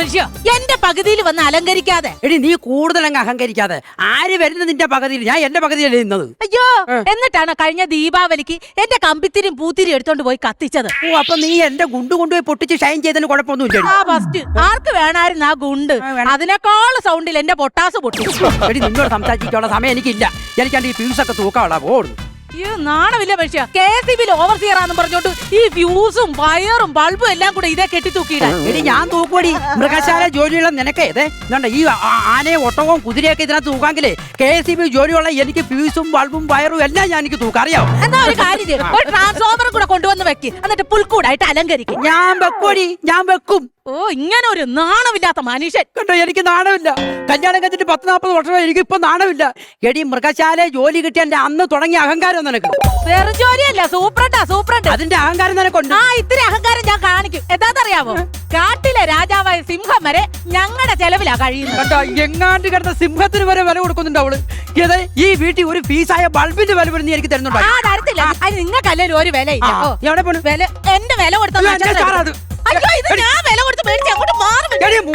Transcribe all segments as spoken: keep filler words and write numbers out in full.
മനുഷ്യ എന്റെ പകുതിയിൽ വന്ന് അലങ്കരിക്കാതെ. എടി നീ കൂടുതൽ അങ്ങ് അഹങ്കരിക്കാതെ. ആര് വരുന്നത് നിന്റെ പകുതിയിൽ? ഞാൻ എന്റെ പകുതിയല്ലേ നിന്നത്. അയ്യോ, എന്നിട്ടാണ് കഴിഞ്ഞ ദീപാവലിക്ക് എന്റെ കമ്പിത്തിരിയും പൂത്തിരിയും എടുത്തോണ്ട് പോയി കത്തിച്ചത്. ഓ, അപ്പൊ നീ എന്റെ ഗുണ്ട് കൊണ്ടുപോയി പൊട്ടിച്ച് ഷൈൻ ചെയ്തതിന് കുഴപ്പമൊന്നുമില്ല. ആ ഫസ്റ്റ് ആർക്ക് വേണായിരുന്നു ആ ഗുണ്ട്? അതിനേക്കാൾ സൗണ്ടിൽ എന്റെ പൊട്ടാസ് പൊട്ടി. എടി നിന്നോട് സംസാരിക്കാനുള്ള സമയം എനിക്കില്ല. എനിക്കാണ്ട് ഈ ഫ്യൂസൊക്കെ തൂക്കാനുള്ള പോകുന്നു. ഈ നാണമില്ല മനുഷ്യ. കെ എസ് ഇ ബിയിൽ ഓവർസിയർ ആണെന്ന് പറഞ്ഞോണ്ട് ഈ ഫ്യൂസും വയറും ബൾബും എല്ലാം കൂടെ ഇതേ കെട്ടി തൂക്കിയിടാൻ. എടി ഞാൻ തൂക്കുപടി. മൃഗശാല ജോലിയുള്ള നിനക്ക് ഇതേ ഇതുണ്ട്. ഈ ആനയും ഒട്ടകവും കുതിരയൊക്കെ ഇതിനകത്ത് തൂക്കാമെങ്കിലേ കെ എസ് ഇ ബി ജോലിയുള്ള എനിക്ക് ഫ്യൂസും ബൾബും വയറും എല്ലാം ഞാൻ എനിക്ക് തൂക്കാം. അറിയാം. എന്നാ ഒരു കാര്യം ചെയ്യ്, ഒരു ട്രാൻസ്ഫോമർ കൂടെ കൊണ്ടുവന്ന് വെക്ക്, എന്നിട്ട് പുൽക്കൂടായിട്ട് അലങ്കരിക്കും. ഞാൻ വെക്കുവടി, ഞാൻ വെക്കും. ഓ, ഇങ്ങനെ ഒരു നാണമില്ലാത്ത മനുഷ്യൻ. കണ്ടോ, എനിക്ക് നാണമില്ല. കല്യാണം കഴിഞ്ഞിട്ട് പത്ത് നാൽപ്പത് വർഷമായി, എനിക്ക് ഇപ്പൊ നാണമില്ല. എടി മൃഗശാല ജോലി കിട്ടിയ എന്റെ അന്ന് തുടങ്ങിയ അഹങ്കാരം നിനക്ക്. വെറും ജോലിയല്ല, സൂപ്രണ്ടാ സൂപ്രണ്ട്. അതിന്റെ അഹങ്കാരം നിനക്കുണ്ട്. ആ, ഇത്തിരി അഹങ്കാരം ഞാൻ കാണിക്കും. എന്താണെന്നറിയാമോ? കാട്ടിലെ രാജാവായ സിംഹം വരെ ഞങ്ങളുടെ ചെലവിലാ കഴിയുന്നത്. കണ്ടോ, എങ്ങാണ്ട് കിടന്ന സിംഹത്തിന് വരെ വില കൊടുക്കുന്നുണ്ട് അവള്. ഏത് ഈ വീട്ടിൽ ഒരു ഫീസായ ബൾബിന്റെ വില നീ എനിക്ക് തരുന്നുണ്ടോ? ആ, തരത്തില്ല. അതിന് നിങ്ങൾക്കല്ലേ ഒരു വില ഇല്ല. എവിടെ പോണു? വില എന്റെ വില കൊടുത്ത അയ്യോ, ഇത് ഞാൻ വില കൊടുത്ത് മേടിച്ച് അങ്ങോട്ട് മാറും.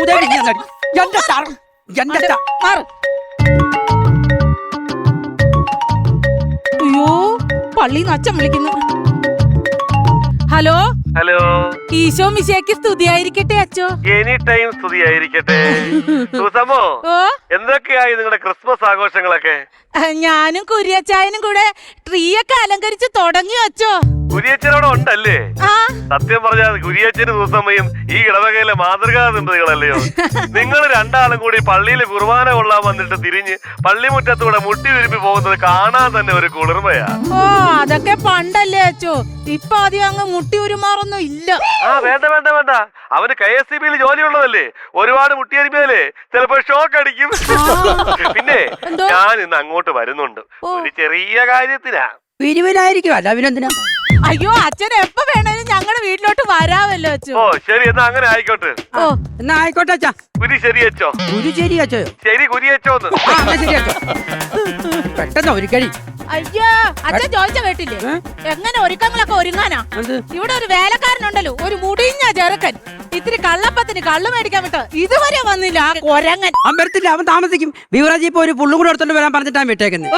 അയ്യോ, പള്ളിന്ന് അച്ഛൻ വിളിക്കുന്നു. ഹലോ ഹലോ, ഈശോ മിശിഹായ്ക്ക് സ്തുതിയായിരിക്കട്ടെ അച്ചോ. എനി ടൈം സ്തുതിയായിരിക്കട്ടെ. സുസമോ, എന്തൊക്കെയായി നിങ്ങളുടെ ക്രിസ്മസ് ആഘോഷങ്ങളൊക്കെ? ഞാനും കുര്യച്ചായനും കൂടെ ട്രീ ഒക്കെ അലങ്കരിച്ച് തുടങ്ങി അച്ചോ. കുരിയച്ചനോടെ ഉണ്ടല്ലേ? ആ, സത്യം പറഞ്ഞാൽ കുരിയച്ചനും സുസമ്മയും ഈ ഇടവകയിലെ മാതൃകാ ദമ്പതികളല്ലയോ? നിങ്ങൾ രണ്ടാളും കൂടി പള്ളിയിൽ കുർബാന കൊള്ളാൻ വന്നിട്ട് തിരിഞ്ഞ് പള്ളിമുറ്റത്തൂടെ മുട്ടി വിരുമ്പി പോകുന്നത് കാണാൻ തന്നെ ഒരു കുളിർമയാ. ഓ, അതൊക്കെ പണ്ടല്ലേ അച്ചോ. ഇപ്പൊ ആദ്യം അങ്ങ് മുട്ടി ഉരുമാറൊന്നും ഇല്ല. ആ, വേണ്ട വേണ്ട വേണ്ട, അവന് കെ എസ് സി ബിയിൽ ജോലിയുള്ളതല്ലേ, ഒരുപാട് മുട്ടിയരിമേലേ ചിലപ്പോ ഷോക്ക് അടിക്കും. പിന്നെ ഞാൻ ഇന്ന് അങ്ങോട്ട് വരുന്നുണ്ട് ഒരു ചെറിയ കാര്യത്തിനാ. പിരിവിനായിരിക്കും, അല്ല അഭിനന്ദന. അയ്യോ, അച്ഛൻ എപ്പോ വേണേലും ഞങ്ങളുടെ വീട്ടിലോട്ട് വരാമല്ലോ അച്ഛോ. ഓ ശരി, എന്നാ അങ്ങനെ ആയിക്കോട്ടെ. ഓ, എന്നാ ആയിക്കോട്ടെ അച്ഛാ. കുരി ശരിയച്ചോ? കുരി ശരിയച്ചോ? ശരി കുരിയച്ചോന്ന്. ശരിയച്ചോ, പെട്ടെന്ന് ഒരു കഴി. അയ്യോ, അച്ഛൻ ചോദിച്ച കേട്ടില്ലേ? എങ്ങനെ ഒരുക്കങ്ങളൊക്കെ ഒരുങ്ങാനാ? ഇവിടെ ഒരു വേലക്കാരനുണ്ടല്ലോ, ഒരു മുടിഞ്ഞ ചെറുക്കൻ. ഇത്തിരി കള്ളപ്പത്തിന് കള്ളു മേടിക്കാൻ വിട്ടോ ഇതുവരെ വന്നില്ല ആ കൊരങ്ങൻ. അവൻ വരത്തില്ല, അവൻ താമസിക്കും. ബിവറേജ് ഇപ്പൊ ഒരു പുള്ളും കൂടെ എടുത്തോണ്ട് വരാൻ പറഞ്ഞിട്ടാണ് വിട്ടേക്കുന്നത്.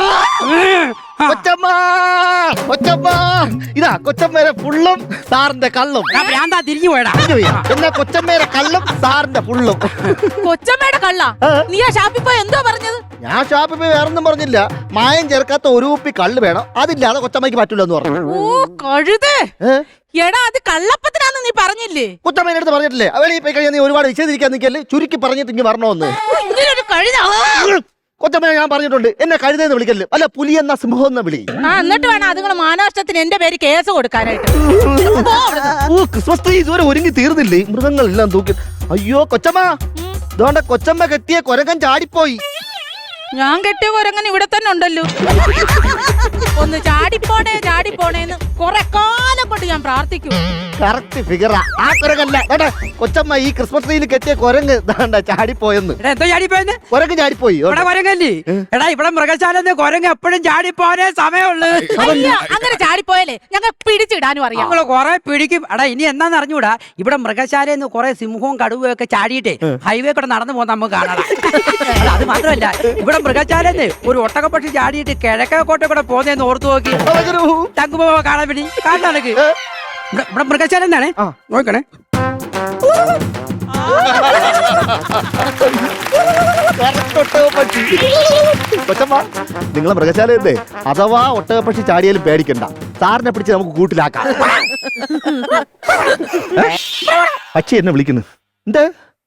ഇതാ കൊച്ചമ്മേരെ പുള്ളും സാറിന്റെ കള്ളും. ഭ്രാന്താ, തിരിഞ്ഞു പോയടാ. പിന്നെ കൊച്ചമ്മേരെ കള്ളും സാറിന്റെ പുള്ളും. കൊച്ചമ്മയുടെ കള്ള? നീ ആ ഷാപ്പിൽ പോയി എന്തോ പറഞ്ഞത്? ഞാൻ ഷാപ്പിൽ പോയി വേറൊന്നും പറഞ്ഞില്ല. മായം ചേർക്കാത്ത ഒരു കുപ്പി കള്ള് വേണം, അതില്ലാതെ കൊച്ചമ്മയ്ക്ക് പറ്റൂലെന്ന് പറഞ്ഞു. ഓ കഴുതേ, എടാ അത് കള്ളപ്പത്തിനാന്ന് നീ പറഞ്ഞില്ലേ? കൊച്ചമ്മേനെ അടുത്ത് പറഞ്ഞിട്ടില്ലേ? അവളെ പോയി കഴിഞ്ഞാൽ നീ ഒരുപാട് വിശദീകരിക്കാൻ നിൽക്കല്ലേ, ചുരുക്കി പറഞ്ഞിട്ട് ഇങ്ങനെ വരണോന്ന്. ഇങ്ങനൊരു കഴുത. കൊച്ചമ്മ ഞാൻ പറഞ്ഞിട്ടുണ്ട്, എന്നെ കഴുതെന്ന് വിളിക്കല്ലേ, അല്ല പുലി എന്ന സിംഹം എന്ന വിളി. ആ, എന്നിട്ട് വേണം അതുങ്ങൾ മാനവഷ്ടത്തിന് എന്റെ പേര് കേസ് കൊടുക്കാനായിട്ട്. ഓ, ക്രിസ്മസ് ട്രീ ഇതുവരെ ഒരുങ്ങി തീർന്നില്ലേ? മൃഗങ്ങളെല്ലാം തൂക്കി. അയ്യോ കൊച്ചമ്മ, ഇതുകൊണ്ട് കൊച്ചമ്മ കെട്ടിയ കൊരങ്ങൻ ചാടിപ്പോയി. ഞാൻ കെട്ടിയ കൊരങ്ങൻ ഇവിടെ തന്നെ ഉണ്ടല്ലോ. ഒന്ന് ചാടിപ്പോണേ ചാടിപ്പോണേന്ന് കൊറേ കാലം കൊണ്ട് ഞാൻ പ്രാർത്ഥിക്കും. കറക്റ്റ് ഫിഗറാ. ആ കൊരങ്ങല്ല കേട്ടെ, കൊച്ചമ്മ ഈ ക്രിസ്മസ് ട്രീയിൽ കെട്ടിയ കൊരങ്ങ് ചാടിപ്പോയെന്ന്. എന്തോ ചാടിപ്പോയെന്ന്? കൊരങ്ങ് ചാടിപ്പോയി. ഇവിടെ കൊരങ്ങല്ലേ? എടാ, ഇവിടെ മൃഗശാല കൊരങ്ങ് എപ്പോഴും ചാടിപ്പോനേ സമയമുള്ളു. അങ്ങനെ ചാടിപ്പോയാലേ ഞങ്ങൾ പിടിച്ചിടാനും അറിയാം. നമ്മള് കൊറേ പിടിക്കും. എടാ, ഇനി എന്നാന്ന് അറിഞ്ഞൂടാ, ഇവിടെ മൃഗശാലയിൽ കൊറേ സിംഹവും കടുവയും ഒക്കെ ചാടിയിട്ടേ ഹൈവേ കൂടെ നടന്നു പോകുന്ന നമുക്ക് കാണാം. അത് മാത്രമല്ല, ഇവിടെ മൃഗശാലന്ന് ഒരു ഒട്ടകപ്പക്ഷി ചാടിയിട്ട് കിഴക്കോട്ടെ കൂടെ പോകുന്നതെന്ന് ഓർത്തു നോക്കി. തങ്കുമ്പോ കാണാൻ വേണ്ടി കാണാനക്ക് ഇവിടെ മൃഗശാല എന്നാണ് നോക്കണേ. കൊച്ചമ്മ, നിങ്ങളെ മൃഗശാല എന്തേ അഥവാ ഒട്ടകപ്പക്ഷി ചാടിയാലും പേടിക്കണ്ട, സാറിനെ പിടിച്ച് നമുക്ക് കൂട്ടിലാക്കാം. പക്ഷി എന്നെ വിളിക്കുന്നു. എന്ത്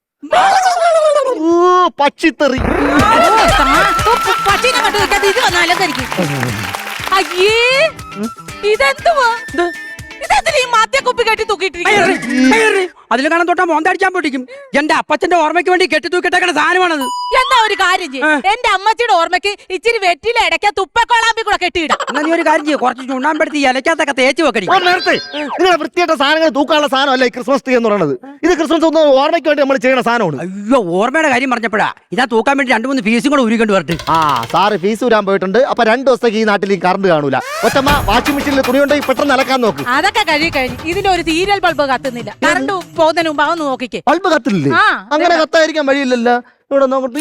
പക്ഷിത്തെറി? പച്ചീനെ കണ്ടു വെക്കാതെ ഇത് വന്ന് അലങ്കരിക്കും. അയ്യേ, ഇതെന്തുവാ? ഇതെന്തിനാ ഈ മാത്യക്കുപ്പി കെട്ടി തൂക്കിയിട്ടിരിക്കുന്നത്? അതിൽ കാണാൻ തൊട്ടാ മോന്തടിച്ചാൻ പൊട്ടിക്കും. എന്റെ അപ്പച്ചന്റെ ഓർമ്മയ്ക്ക് വേണ്ടി കെട്ടി തൂക്കിട്ടേക്കണ സാധനമാണത്. എന്നാ ഒരു കാര്യം ചെയ്യും, എന്റെ അമ്മച്ചിയുടെ ഓർമ്മയ്ക്ക് ഇച്ചിരി വെറ്റില ഇടയ്ക്ക തുപ്പക്കൊളാമ്പി കൂടെ കെട്ടിയിടാം. എന്നാ നീ ഒരു കാര്യം ചെയ്യും, കുറച്ച് ചുണ്ണാമ്പെടുത്ത് ഇലക്കകത്തൊക്കെ തേച്ച് വെക്കടി. നേരത്തെ നിങ്ങളെ വൃത്തിയായിട്ട സാധനങ്ങൾ തൂക്കാനുള്ള സാധനമല്ല ഈ ക്രിസ്മസ് ട്രീ എന്ന് പറയുന്നത്. ഇത് ക്രിസ്മസ് ഒന്ന് ഓർമ്മയ്ക്ക് വേണ്ടി നമ്മൾ ചെയ്യുന്ന സാധനമാണ്. അയ്യോ, ഓർമ്മയുടെ കാര്യം പറഞ്ഞപ്പോഴാ ഇതാ തൂക്കാൻ വേണ്ടി രണ്ടു മൂന്ന് ഫീസും കൂടെ ഉരുക്കൊണ്ട് വരട്ടെ. ആ, സാറ് ഫീസ് ഊരാൻ പോയിട്ടുണ്ട്. അപ്പൊ രണ്ടു ദിവസത്തേക്ക് ഈ നാട്ടിൽ ഈ കറണ്ട് കാണൂല. ഒറ്റമ്മ വാഷിംഗ് മെഷീനിൽ തുണി ഉണ്ടെങ്കിൽ പെട്ടെന്ന് അലക്കാൻ നോക്ക്. അതൊക്കെ കഴി കഴിഞ്ഞു ഇതിലൊരു സീരിയൽ ബൾബ് കത്തുന്നില്ല. കറണ്ട് പോകുന്നതിന് മുമ്പ് അതൊന്ന് നോക്കിക്കേ. ബൾബ് കത്തില്ലേ? ആ, അങ്ങനെ കത്തായിരിക്കാൻ വഴിയില്ലല്ലോ. ഇവിടെ നോക്കട്ടെ.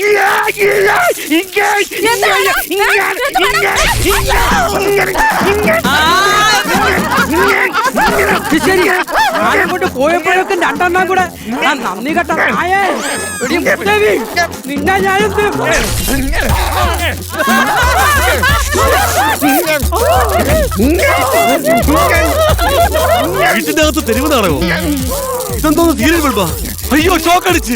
ശരി ആരും കൊണ്ട് പോയപ്പോഴൊക്കെ രണ്ടെണ്ണം കൂടെ ആ നന്ദി കെട്ട നായേ. എടി മുത്തവി, നിന്നെ ഞാനെന്ത് വീട്ടിന്റെ അകത്ത് തെരുവ് നാടകമോ? ഇതെന്തോ സീരിയൽ ബൾബാ? അയ്യോ ഷോക്ക് അടിച്ച്.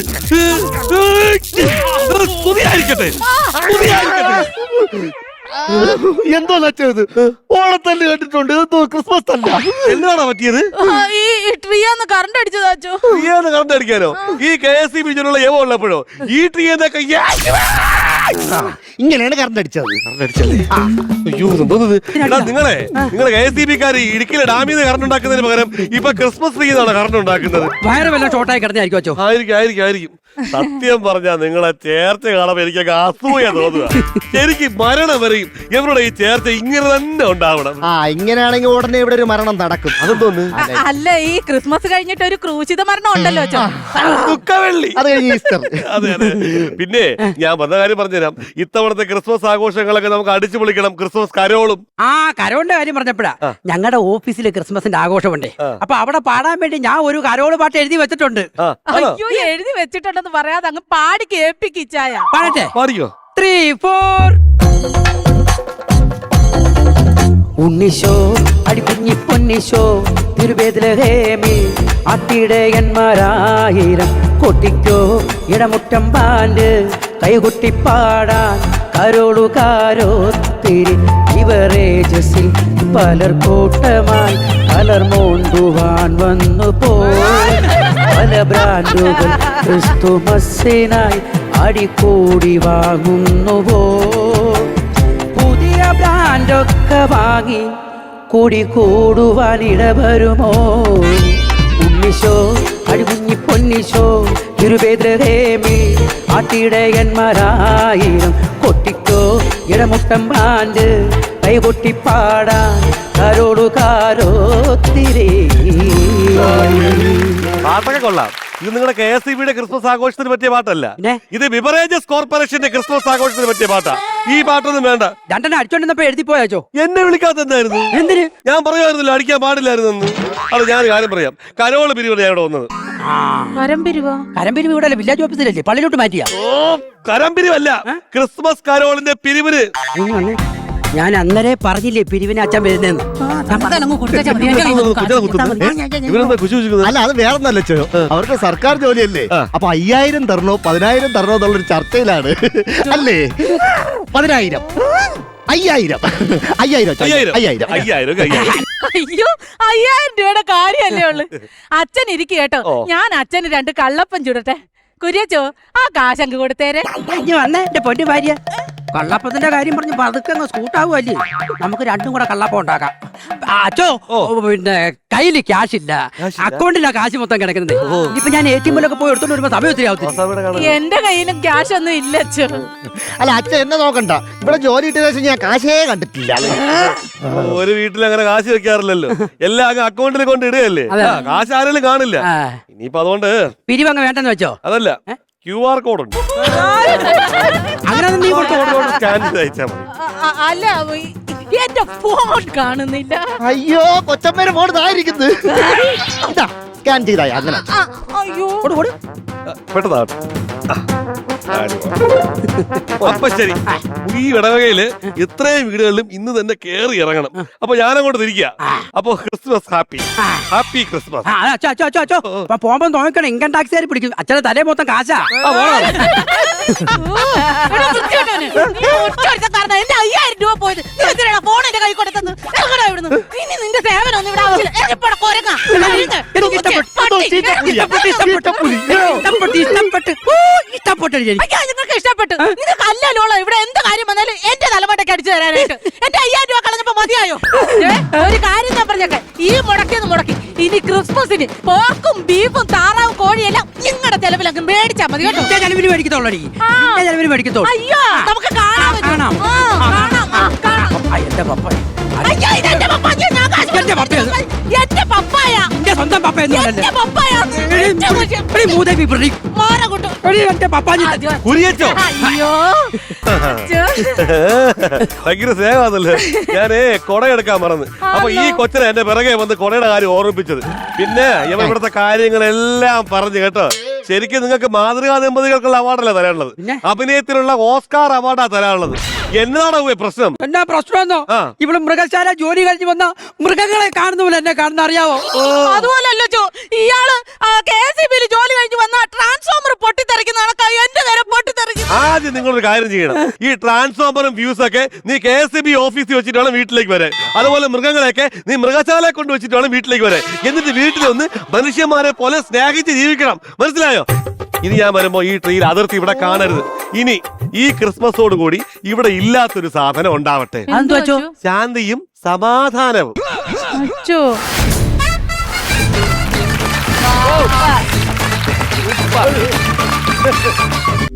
പുതിയായിരിക്കട്ടെ പുതിയായിരിക്കട്ടെ. എന്തോ നച്ചത്? ഓണത്തല്ല് കണ്ടിട്ടുണ്ട്. എന്തോ ക്രിസ്മസ് തല്ല. എന്താണോ പറ്റിയത്? ആ, ഈ ട്രീന്ന് കറണ്ട് അടിച്ചതാച്ചോ. ട്രീന്ന് കറണ്ട് അടിക്കാനോ? ഈ കെ എസ് സി ബിജിലുള്ള ഏവോ ഉള്ളപ്പോഴോ ഈ ട്രീന്നൊക്കെ ഇങ്ങനെയാണ് കറണ്ട് അടിച്ചത്. കറണ്ട് അടിച്ചല്ലേ? അയ്യോ എന്തോന്നത്? എടാ നിങ്ങളെ നിങ്ങളെ കെ എസ് സി ബിക്കാര് ഇടുക്കിയിലെ ഡാമിൽ നിന്ന് കറണ്ട് ഉണ്ടാക്കുന്നതിന് പകരം ഇപ്പൊ ക്രിസ്മസ് ട്രീ എന്നാണ് കറണ്ട് ഉണ്ടാക്കുന്നത്. വയറ് വല്ല ഷോർട്ടായി കിടന്നായിരിക്കും അച്ചോ. ആയിരിക്കും ആയിരിക്കും ആയിരിക്കും. സത്യം പറഞ്ഞാ നിങ്ങളെ ചേർച്ച കാണുമ്പോ എനിക്കൊക്കെ അസൂയ തോന്നുക. ശരിക്കും മരണം വരെയും ഇവരുടെ ഈ ചേർച്ച ഇങ്ങനെ തന്നെ ഉണ്ടാവണം. ആ ഇങ്ങനെയാണെങ്കിൽ ഉടനെ ഇവിടെ ഒരു മരണം നടക്കും. അതെന്തോന്ന്? അ- അല്ല ഈ ക്രിസ്മസ് കഴിഞ്ഞിട്ട് ഒരു ക്രൂശിത മരണം ഉണ്ടല്ലോ അച്ചോ. ദുഃഖവെള്ളി. അത് കഴിഞ്ഞ് ഈസ്റ്റർ. അതെ അതെ. പിന്നെ ഞാൻ വന്ന കാര്യം പറഞ്ഞുതരാം. ഇത്തവണത്തെ ക്രിസ്മസ് ആഘോഷങ്ങളൊക്കെ നമുക്ക് അടിച്ചു പൊളിക്കണം. ക്രിസ്മസ് കരോളും. ആ കരോളിന്റെ കാര്യം പറഞ്ഞപ്പോഴാ ഞങ്ങളുടെ ഓഫീസിൽ ക്രിസ്മസിന്റെ ആഘോഷമുണ്ട്. അപ്പൊ അവിടെ പാടാൻ വേണ്ടി ഞാൻ ഒരു കരോള് പാട്ട് എഴുതി വെച്ചിട്ടുണ്ട്. ആ, ആണോ? അയ്യോ എഴുതി വെച്ചിട്ടുണ്ടെന്ന് പറയാതെ അങ്ങ് പാടി കേൾപ്പിക്കിച്ചായ. പാടട്ടെ? പാടിക്കോ. ത്രീ ഫോർ ഉണ്ണിശോ അടിക്കുഞ്ഞി പൊന്നിശോ തിരുവേദിലഹേമിൽ ആട്ടിടയന്മാരായിരം കൊട്ടിക്കോ ഇടമുറ്റം പാല് കൈകൊട്ടിപ്പാടാൻ കരോളുകാരോത്തിരി ഇവറേജസിൽ പലർ കൂട്ടമായി പലർ മോണ്ടുവാൻ വന്നു പോയി പല ബ്രാൻഡുകൾ ക്രിസ്തുമസിനായി അടിക്കൂടി വാങ്ങുന്നുവോ പുതിയ ബ്രാൻഡൊക്കെ വാങ്ങി കൂടി കൂടുവാനിട വരുമോ ഉണ്ണിശോ അടികുഞ്ഞി പൊന്നിശോ തിരുവേദ്രഹേമി ആട്ടിടയന്മാരായിരം കൊട്ടിക്കോ ഇടമുട്ടം പാണ്ട് കൈകൊട്ടിപ്പാടാൻ കരോടുകാരോ തിരേ. പാട്ടൊക്കെ കൊള്ളാം. ഇത് നിങ്ങളുടെ കെ എസ് ഇ ബിയുടെ ക്രിസ്മസ് ആഘോഷത്തിന് പറ്റിയ പാട്ടല്ല. പിന്നെ? ഇത് ബിവറേജസ് കോർപ്പറേഷന്റെ ക്രിസ്മസ് ആഘോഷത്തിന് പറ്റിയ പാട്ടാ. ഈ പാട്ടൊന്നും വേണ്ട. രണ്ടെണ്ണം അടിച്ചോണ്ടിരുന്നപ്പോ എഴുതി പോയാച്ചോ. എന്നെ വിളിക്കാത്ത എന്തായിരുന്നു? എന്തിന്? ഞാൻ പറയുമായിരുന്നല്ലോ അടിക്കാൻ പാടില്ലായിരുന്നു. അത് ഞാൻ കാര്യം പറയാം. കരോള് പിരിവ് ഞാൻ ഇവിടെ വന്നത്. വരംപിരിവോ? കരമ്പിരിവ് ഇവിടെ വില്ലേജ് ഓഫീസിലല്ലേ, പള്ളിയിലോട്ട് മാറ്റിയാ? ഓ കരം പിരിവല്ല, ക്രിസ്മസ് കരോളിന്റെ പിരിവിന്. ഇങ്ങ് വന്നേ. ഞാൻ അന്നേരെ പറഞ്ഞില്ലേ പിരിവിന് അച്ഛൻ വരുന്നെന്ന്. ഇവരെന്താ കുശി കുശിക്കുന്നത്? അല്ല അത് വേറൊന്നല്ല ചോ, അവർക്ക് സർക്കാർ ജോലിയല്ലേ. അപ്പൊ അയ്യായിരം തരണോ പതിനായിരം തരണോ എന്നുള്ളൊരു ചർച്ചയിലാണ്. അല്ലേ? പതിനായിരം അയ്യായിരം അയ്യായിരം അയ്യായിരം അയ്യായിരം അയ്യായിരം അയ്യായിരം. അയ്യോ അയ്യായിരം രൂപയുടെ കാര്യല്ലേ ഉള്ളു. അച്ഛൻ ഇരിക്കും കേട്ടോ. ഓ. ഞാൻ അച്ഛന് രണ്ട് കള്ളപ്പം ചുടട്ടെ. കുര്യച്ചോ ആ കാശങ്ക് കൊടുത്തേരെ. ഇഞ്ഞ് വന്നേ എന്റെ പൊന്നു ഭാര്യ. കള്ളപ്പത്തിന്റെ കാര്യം പറഞ്ഞ് പതുക്കെ അങ്ങ് സ്കൂട്ടാവുമല്ലേ, നമുക്ക് രണ്ടും കൂടെ കള്ളപ്പം ഉണ്ടാക്കാം. ആ, അച്ചോ പിന്നെ കയ്യില് ക്യാഷ് ഇല്ല, അക്കൗണ്ടിലാ കാശ് മൊത്തം കിടക്കുന്നത്. ഇപ്പൊ ഞാൻ എ ടി എമ്മിലൊക്കെ പോയി എടുത്തോണ്ട് വരുമ്പോ സമയം ഒത്തിരി ആവത്തില്ല. എന്റെ കയ്യിലും ക്യാഷ് ഒന്നും ഇല്ല അച്ഛോ. അല്ല അച്ഛൻ എന്നെ നോക്കണ്ട, ഇവിടെ ജോലി കിട്ടിയ ശേഷം ഞാൻ കാശേ കണ്ടിട്ടില്ല. ഒരു വീട്ടിൽ അങ്ങനെ കാശ് വെക്കാറില്ലല്ലോ, എല്ലാം അങ്ങ് അക്കൗണ്ടിൽ കൊണ്ട് ഇടുകയല്ലേ. ആ, കാശ് ആരെങ്കിലും കാണില്ല. ആ, ഇനിയിപ്പോ അതുകൊണ്ട് പിരിവങ്ങ് വേണ്ടെന്ന് വെച്ചോ. അതല്ല, ക്യു ആർ കോഡ് ഉണ്ട്. അങ്ങനെ നീ കൊടുത്തോ. സ്കാൻ ചെയ്ത് അയച്ചാൽ മതി. അ- അല്ല ഈ- എന്റെ ഫോൺ കാണുന്നില്ല. അയ്യോ കൊച്ചമ്മേരെ ഫോൺ ഇതായിരിക്കുന്നത്. സ്കാൻ ചെയ്തായി അങ്ങനെ. ആ, അയ്യോ പെട്ടതാണ്. അപ്പൊ ശരി, ഈ ഇടവകയില് ഇത്രയും വീടുകളിലും ഇന്ന് തന്നെ കേറി ഇറങ്ങണം. അപ്പൊ ഞാനങ്ങോട്ട് തിരിക്കുക. അപ്പൊ ക്രിസ്മസ് ഹാപ്പി ഹാപ്പി ക്രിസ്മസ്. ആ, അച്ചോ അച്ചോ അച്ചോ അച്ചോ അപ്പൊ പോകുമ്പോ നോക്കണം, ഇൻകം ടാക്സ് കാര് പിടിക്കും. അച്ഛനെ തലേ മൊത്തം കാശാ. ആ, പോണം. എടാ, വൃത്തികെട്ടവനെ. നീ ഒറ്റയൊരുത്തൻ കാരണം എന്റെ അയ്യായിരം രൂപ പോയത്. നീ എന്തിനാടാ ഫോൺ എന്റെ കൈ കൊടുത്തത്? ഇറങ്ങടാ ഇവിടുന്ന്. ഇനി നിന്റെ സേവനം ഒന്നും ഇവിടെ ആവശ്യമില്ല. എപ്പോഴാ കൊരങ്ങാ? എനിക്ക് ഇഷ്ടപ്പെട്ടു. ഇഷ്ടപ്പെട്ടു ഇഷ്ടപ്പെട്ടു ഇഷ്ടപ്പെട്ടു ഇഷ്ടപ്പെട്ടു ഓ, ഇഷ്ടപ്പെട്ടു എനിക്ക്. അയ്യോ നിങ്ങൾക്ക് ഇഷ്ടപ്പെട്ടു. നിങ്ങൾക്ക് അല്ലല്ലോളോ ഇവിടെ എന്ത് കാര്യം വന്നാലും എന്റെ തലമുട്ടയ്ക്ക് അടിച്ചു തരാനായിട്ട്. എന്റെ അയ്യായിരം രൂപ കളഞ്ഞപ്പോ മതിയായോ? ഏ, ഒരു കാര്യം ഞാൻ പറഞ്ഞേക്കെ, ഈ മുടക്കിന്ന് മുടക്കി ഇനി ക്രിസ്മസിന് പോർക്കും ബീഫും താറാവും കോഴിയെല്ലാം നിങ്ങളുടെ ചെലവിലൊക്കെ മേടിച്ചാ മതി കേട്ടോ. എന്റെ ചെലവിന് മേടിക്കത്തോളൂ നീ. ആ. എന്റെ ചെലവിന് മേടിക്കത്തോളൂ. അയ്യോ നമുക്ക് കാണാൻ പറ്റും. കാണാം. ആ, കാണാം ആ, കാണാം. ആ, എന്റെ പപ്പ. അയ്യോ ഇതെന്റെ പപ്പായ. ഞാൻ കാശ് എന്റെ പപ്പ. എന്റെ പപ്പായ. എന്റെ സ്വന്തം പപ്പ എന്ന് എന്റെ പപ്പായ. മൂദേവി പ്രതി മാറ കൂട്ടു. എടി, എന്റെ പപ്പാഞ്ഞി കുരിയച്ചോ അയ്യോ അച്ഛോ. ഭയങ്കര സ്നേഹമാണല്ലേ. ഞാനേ കൊടയെടുക്കാൻ മറന്ന്. അപ്പൊ ഈ കൊച്ചിനെ എന്റെ പിറകെ വന്ന് കൊടയുടെ കാര്യം ഓർമ്മിപ്പിച്ചത്. പിന്നെ ഇവ ഇവിടുത്തെ കാര്യങ്ങളെല്ലാം പറഞ്ഞു കേട്ടോ. ശരിക്കും നിങ്ങൾക്ക് മാതൃകാ ദമ്പതികൾക്കുള്ള അവാർഡല്ല തരാനുള്ളത്, അഭിനയത്തിലുള്ള ഓസ്കാർ അവാർഡാ തരാനുള്ളത്. എന്നതാണോ പ്രശ്നം? എന്നാ പ്രശ്നമെന്നോ? ആ. ഇവിടെ മൃഗശാല ജോലി കഴിഞ്ഞ് വന്ന മൃഗങ്ങളെ കാണുന്ന പോലെ എന്നെ കാണുന്ന അറിയാവോ? അതുപോലല്ലോ ചോ, ഇയാള് കെ എസ് ഇ ബിയിൽ ജോലി കഴിഞ്ഞ് വന്ന ട്രാൻസ്ഫോമർ പൊട്ടിത്തെറിക്കുന്ന കണക്കായി എന്റെ നേരെ പൊട്ടിത്തെറിക്കും. ആദ്യം നിങ്ങളൊരു കാര്യം ചെയ്യണം. ഈ ട്രാൻസ്ഫോമറും ഫ്യൂസ് ഒക്കെ നീ കെ എസ് ബി ഓഫീസിൽ വെച്ചിട്ട് വേണം വീട്ടിലേക്ക് വരാൻ. അതുപോലെ മൃഗങ്ങളെയൊക്കെ നീ മൃഗശാലയെ കൊണ്ട് വെച്ചിട്ട് വേണം വീട്ടിലേക്ക് വരാൻ. എന്നിട്ട് വീട്ടിൽ ഒന്ന് മനുഷ്യന്മാരെ പോലെ സ്നേഹിച്ച് ജീവിക്കണം. മനസ്സിലായോ? ഇനി ഞാൻ വരുമ്പോ ഈ ട്രീയിൽ അതിർത്തി ഇവിടെ കാണരുത്. ഇനി ഈ ക്രിസ്മസോട് കൂടി ഇവിടെ ഇല്ലാത്തൊരു സാധനം ഉണ്ടാവട്ടെ. അതെന്തുവാ ചോ? ശാന്തിയും സമാധാനവും. അച്ചോ